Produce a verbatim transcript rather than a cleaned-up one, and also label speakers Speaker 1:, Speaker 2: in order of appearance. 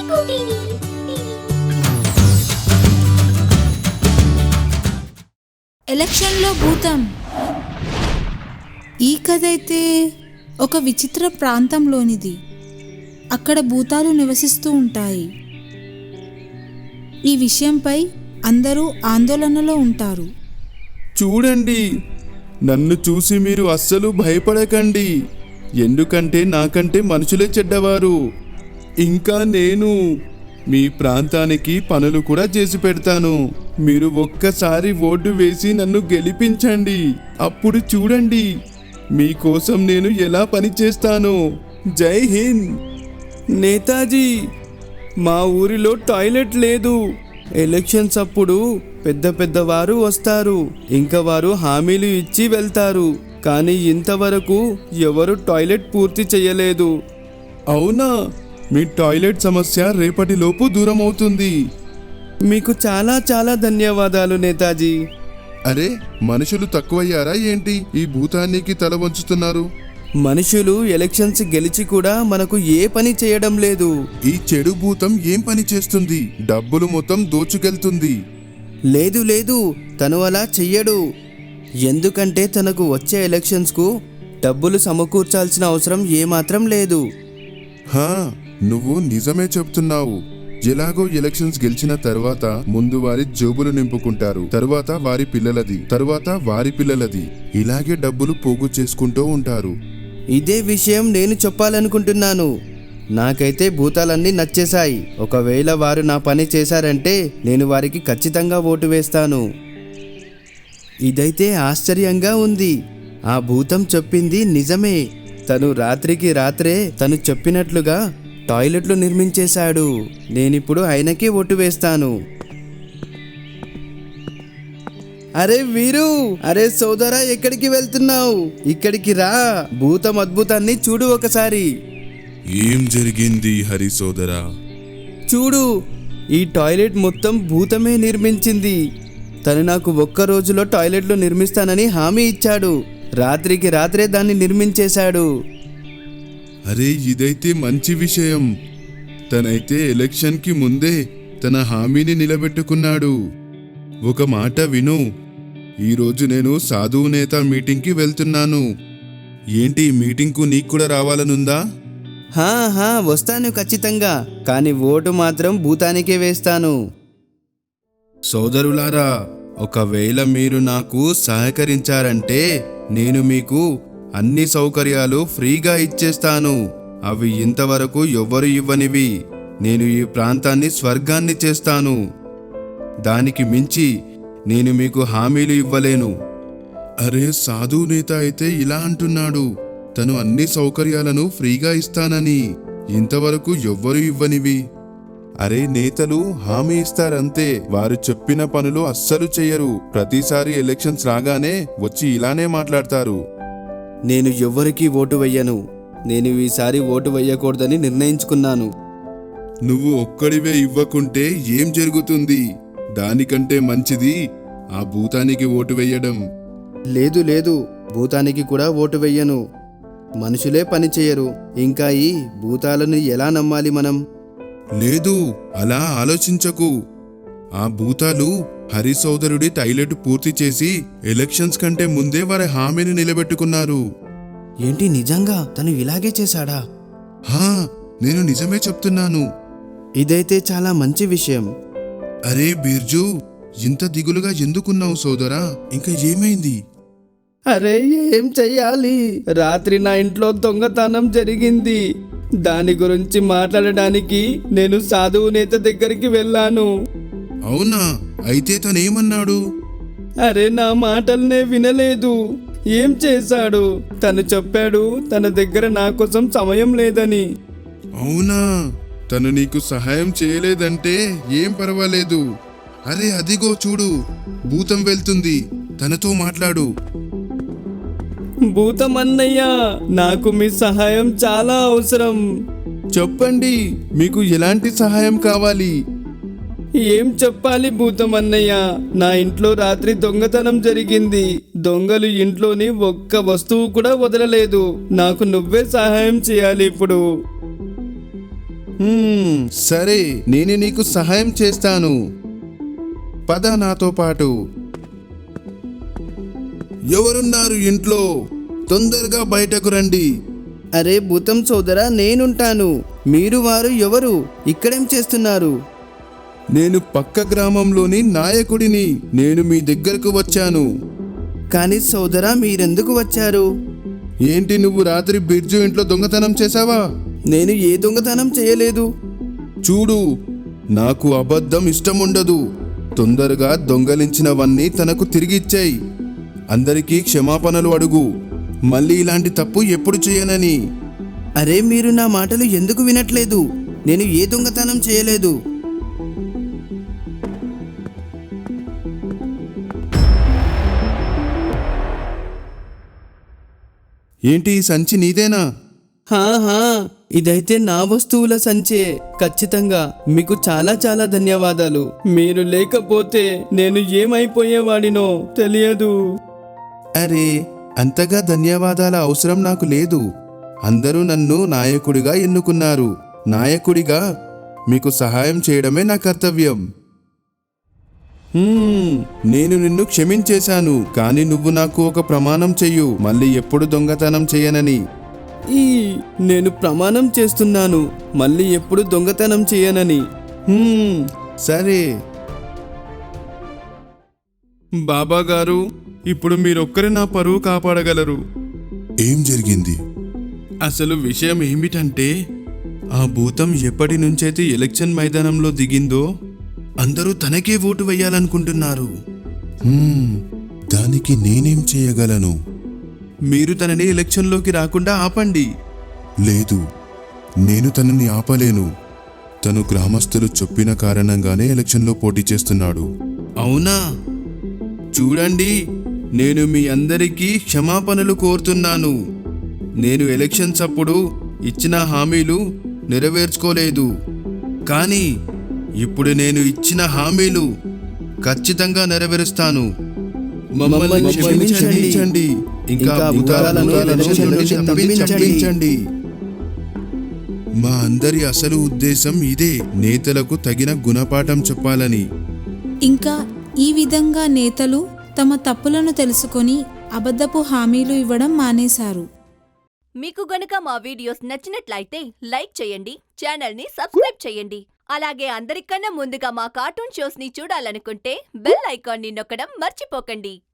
Speaker 1: ఎలక్షన్లో భూతం. ఈ కథ అయితే ఒక విచిత్ర ప్రాంతంలోనిది. అక్కడ భూతాలు నివసిస్తూ ఉంటాయి. ఈ విషయంపై అందరూ ఆందోళనలో ఉంటారు.
Speaker 2: చూడండి, నన్ను చూసి మీరు అస్సలు భయపడకండి. ఎందుకంటే నాకంటే మనుషులే చెడ్డవారు. ఇంకా నేను మీ ప్రాంతానికి పనులు కూడా చేసి పెడతాను. మీరు ఒక్కసారి ఓటు వేసి నన్ను గెలిపించండి. అప్పుడు చూడండి మీకోసం నేను ఎలా పని చేస్తాను. జై హింద్. నేతాజీ, మా ఊరిలో టాయిలెట్ లేదు. ఎలక్షన్స్ అప్పుడు పెద్ద పెద్దవారు వస్తారు, ఇంకా వారు హామీలు ఇచ్చి వెళ్తారు. కానీ ఇంతవరకు ఎవరు టాయిలెట్ పూర్తి చేయలేదు. అవునా? మీ టాయిలెట్ సమస్య రేపటిలోపు దూరం అవుతుంది. మీకు చాలా చాలా ధన్యవాదాలు నేతాజీ. అరే, మనుషులు తక్కువయ్యారా ఏంటి? ఈ భూతానికి తల వంచుతున్నారు. మనుషులు ఎలక్షన్స్ గెలిచి కూడా మనకు ఏ పని చేయడం లేదు. ఈ చెడు భూతం ఏం పని చేస్తుంది? డబ్బులు మొత్తం దోచుకెళ్తుంది. లేదు లేదు, తను అలా చెయ్యడు. ఎందుకంటే తనకు వచ్చే ఎలక్షన్స్కు డబ్బులు సమకూర్చాల్సిన అవసరం ఏమాత్రం లేదు. హా, నువ్వు నిజమే చెప్తున్నావు. ఎలాగో ఎలక్షన్స్ గెలిచిన తర్వాత ముందు వారి జోబులు నింపుకుంటారు, తరువాత వారి పిల్లలది, తరువాత వారి పిల్లలది, ఇలాగే డబ్బులు పోగు చేసుకుంటూ ఉంటారు. ఇదే విషయం నేను చెప్పాలనుకుంటున్నాను. నాకైతే భూతాలన్నీ నచ్చేశాయి. ఒకవేళ వారు నా పని చేశారంటే నేను వారికి ఖచ్చితంగా ఓటు వేస్తాను. ఇదైతే ఆశ్చర్యంగా ఉంది. ఆ భూతం చెప్పింది నిజమే. తను రాత్రికి రాత్రే తను చెప్పినట్లుగా టాయిలెట్లు నిర్మించేశాడు. నేనిప్పుడు ఆయనకే ఓటు వేస్తాను. అరే వీరు, అరే సోదరా, ఎక్కడికి వెళ్తున్నావు? ఇక్కడికి రా, భూతం అద్భుతాన్ని చూడు ఒకసారి.
Speaker 3: ఏం జరిగింది హరి సోదరా?
Speaker 2: చూడు, ఈ టాయిలెట్ మొత్తం భూతమే నిర్మించింది. తను నాకు ఒక్క రోజులో టాయిలెట్లు నిర్మిస్తానని హామీ ఇచ్చాడు. రాత్రికి రాత్రే దాన్ని నిర్మించేశాడు.
Speaker 3: అరే, ఇదైతే మంచి విషయం. తనైతే ఎలక్షన్కి ముందే తన హామీని నిలబెట్టుకున్నాడు. ఒక మాట విను, ఈరోజు నేను సాధువు నేత మీటింగ్కి వెళ్తున్నాను. ఏంటి, మీటింగ్కు నీకు కూడా రావాలనుందా?
Speaker 2: హా హా వస్తాను ఖచ్చితంగా. కానీ ఓటు మాత్రం భూతానికే వేస్తాను.
Speaker 3: సోదరులారా, ఒకవేళ మీరు నాకు సహకరించారంటే నేను మీకు అన్ని సౌకర్యాలు ఫ్రీగా ఇచ్చేస్తాను. అవి ఇంతవరకు ఎవ్వరు ఇవ్వనివి. నేను ఈ ప్రాంతాన్ని స్వర్గాన్ని చేస్తాను. దానికి మించి నేను మీకు హామీలు ఇవ్వలేను. అరే, సాధు నేత అయితే ఇలా అంటున్నాడు, తను అన్ని సౌకర్యాలను ఫ్రీగా ఇస్తానని. ఇంతవరకు ఎవ్వరు ఇవ్వనివి. అరే, నేతలు హామీ ఇస్తారంతే, వారు చెప్పిన పనులు అస్సలు చెయ్యరు. ప్రతిసారి ఎలక్షన్స్ రాగానే వచ్చి ఇలానే మాట్లాడతారు.
Speaker 2: నేను ఎవ్వరికీ ఓటు వెయ్యను. నేను ఈసారి ఓటు వెయ్యకూడదని నిర్ణయించుకున్నాను.
Speaker 3: నువ్వు ఒక్కడివే ఇవ్వకుంటే ఏం జరుగుతుంది? దానికంటే మంచిది ఆ భూతానికి ఓటు వెయ్యడం.
Speaker 2: లేదు లేదు, భూతానికి కూడా ఓటు వెయ్యను. మనుషులే పని చేయరు, ఇంకా ఈ భూతాలను ఎలా నమ్మాలి మనం?
Speaker 3: లేదు, అలా ఆలోచించకు. ఆ భూతాలు హరి సోదరుడి టాయిలెట్ పూర్తి చేసి ఎలక్షన్స్ కంటే ముందే వారి హామీని నిలబెట్టుకున్నారు.
Speaker 2: ఏంటి, నిజంగా తను ఇలాగే చేశాడా?
Speaker 3: హా, నేను నిజమే చెప్తున్నాను.
Speaker 2: ఇదైతే చాలా మంచి విషయం.
Speaker 3: అరే బిర్జు, ఇంత దిగులుగా ఎందుకున్నావు సోదరా? ఇంకా ఏమైంది?
Speaker 2: అరే, ఏం చెయ్యాలి? రాత్రి నా ఇంట్లో దొంగతనం జరిగింది. దాని గురించి మాట్లాడడానికి నేను సాధువు నేత దగ్గరికి వెళ్ళాను.
Speaker 3: అవునా? అయితే తనేమన్నాడు?
Speaker 2: అరే, నా మాటల్నే వినలేదు. ఏం చేశాడు? తను చెప్పాడు తన దగ్గర నా కోసం సమయం లేదని.
Speaker 3: అవునా? తను నీకు సహాయం చేయలేదంటే ఏం పర్వాలేదు. అరే, అదిగో చూడు, భూతం వెళ్తుంది. తనతో మాట్లాడు.
Speaker 2: భూతం అన్నయ్య, నాకు మీ సహాయం చాలా అవసరం.
Speaker 3: చెప్పండి, మీకు ఎలాంటి సహాయం కావాలి?
Speaker 2: ఏం చెప్పాలి భూతం అన్నయ్య? నా ఇంట్లో రాత్రి దొంగతనం జరిగింది. దొంగలు ఇంట్లోని ఒక్క వస్తువు కూడా వదలలేదు. నాకు నువ్వే సహాయం చేయాలి ఇప్పుడు.
Speaker 3: హ్మ్, సరే నేను నీకు సహాయం చేస్తాను. పద నాతో పాటు. ఎవరున్నారు ఇంట్లో? తొందరగా బయటకు రండి.
Speaker 4: అరే భూతం సోదరా, నేనుంటాను. మీరు వారు ఎవరు? ఇక్కడేం చేస్తున్నారు?
Speaker 3: నేను పక్క గ్రామంలోని నాయకుడిని. నేను మీ దగ్గరకు వచ్చాను.
Speaker 4: కానీ సోదరా, మీరెందుకు వచ్చారు?
Speaker 3: ఏంటి, నువ్వు రాత్రి బిర్జు ఇంట్లో దొంగతనం చేశావా?
Speaker 4: నేను ఏ దొంగతనం చేయలేదు.
Speaker 3: చూడు, నాకు అబద్ధం ఇష్టం ఉండదు. తొందరగా దొంగలించినవన్నీ తనకు తిరిగిచ్చేయి. అందరికీ క్షమాపణలు అడుగు. మళ్ళీ ఇలాంటి తప్పు ఎప్పుడు చేయనని.
Speaker 4: అరే మీరు నా మాటలు ఎందుకు వినట్లేదు? నేను ఏ దొంగతనం చేయలేదు.
Speaker 3: ఏంటి, ఈ సంచి నీదేనా?
Speaker 4: హా హా ఇదైతే నా వస్తువుల సంచే. ఖచ్చితంగా. మీకు చాలా చాలా ధన్యవాదాలు. మీరు లేకపోతే నేను ఏమైపోయేవాడినో తెలియదు.
Speaker 3: అరే, అంతగా ధన్యవాదాల అవసరం నాకు లేదు. అందరూ నన్ను నాయకుడిగా ఎన్నుకున్నారు. నాయకుడిగా మీకు సహాయం చేయడమే నా కర్తవ్యం. హ్మ్, నేను నిన్ను క్షమించేశాను. కానీ నువ్వు నాకు ఒక ప్రమాణం చెయ్యు, మళ్ళీ ఎప్పుడు దొంగతనం చేయనని.
Speaker 4: ఈ నేను ప్రమాణం చేస్తున్నాను, మళ్ళీ ఎప్పుడు దొంగతనం చేయనని.
Speaker 3: హ్మ్, సరే. బాబా గారు, ఇప్పుడు మీరొక్కరే నా పరువు కాపాడగలరు.
Speaker 2: ఏం జరిగింది?
Speaker 3: అసలు విషయం ఏమిటంటే, ఆ భూతం ఎప్పటి నుంచైతే ఎలక్షన్ మైదానంలో దిగిందో అందరూ తనకే ఓటు వేయాలనుకుంటున్నారు.
Speaker 2: హ్మ్, దానికి నేనేం చేయగలను?
Speaker 3: మీరు తనని ఎలక్షన్లోకి రాకుండా ఆపండి.
Speaker 2: లేదు, నేను తనని ఆపలేను. తను గ్రామస్తులు చెప్పిన కారణంగానే ఎలక్షన్లో పోటీ చేస్తున్నాడు.
Speaker 3: అవునా? చూడండి, నేను మీ అందరికీ క్షమాపణలు కోరుతున్నాను. నేను ఎలక్షన్స్ అప్పుడు ఇచ్చిన హామీలు నెరవేర్చుకోలేదు. కానీ ఇప్పుడు నేను ఇచ్చిన హామీలు ఖచ్చితంగా నెరవేరుస్తాను. మమ్మల్ని క్షమించండి. ఇంకా భూతాలను ఎలక్షన్ నుంచి తప్పించండి. మా అందరి అసలు ఉద్దేశం ఇదే, నేతలకు తగిన గుణపాఠం చెప్పాలని.
Speaker 1: ఇంకా ఈ విధంగా నేతలు తమ తప్పులను తెలుసుకొని అబద్ధపు హామీలు ఇవ్వడం మానేశారు.
Speaker 5: మీకు గనుక మా వీడియోస్ నచ్చినట్లయితే లైక్ చేయండి, ఛానల్ని సబ్స్క్రైబ్ చేయండి. అలాగే అందరికన్నా ముందుగా మా కార్టూన్ షోస్ ని చూడాలనుకుంటే బెల్ ఐకాన్ని నొక్కడం మర్చిపోకండి.